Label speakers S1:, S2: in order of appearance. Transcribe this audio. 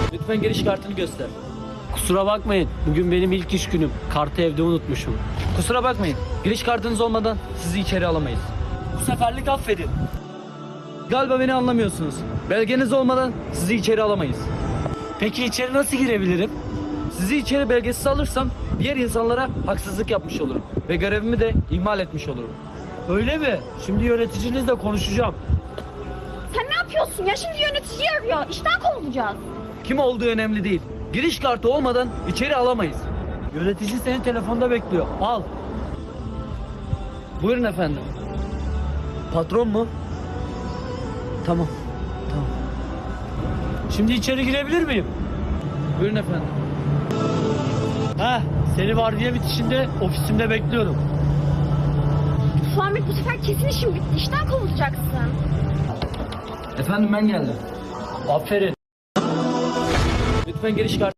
S1: Lütfen giriş kartını göster.
S2: Kusura bakmayın. Bugün benim ilk iş günüm. Kartı evde unutmuşum.
S1: Kusura bakmayın. Giriş kartınız olmadan sizi içeri alamayız.
S2: Bu seferlik affedin.
S1: Galiba beni anlamıyorsunuz. Belgeniz olmadan sizi içeri alamayız.
S2: Peki içeri nasıl girebilirim?
S1: Sizi içeri belgesiz alırsam diğer insanlara haksızlık yapmış olurum. Ve görevimi de ihmal etmiş olurum.
S2: Öyle mi? Şimdi yöneticinizle konuşacağım.
S3: Sen ne yapıyorsun ya? Şimdi yönetici arıyor. İşten kovulacağız.
S1: Kim olduğu önemli değil. Giriş kartı olmadan içeri alamayız.
S2: Yönetici seni telefonda bekliyor. Al.
S1: Buyurun efendim. Patron mu? Tamam. Tamam.
S2: Şimdi içeri girebilir miyim?
S1: Buyurun efendim.
S2: Heh, seni vardiya bitişinde ofisimde bekliyorum.
S3: Ahmet bu sefer kesin işin bitti. İşten kovulacaksın.
S1: Efendim ben geldim.
S2: Aferin.
S1: Lütfen giriş kartı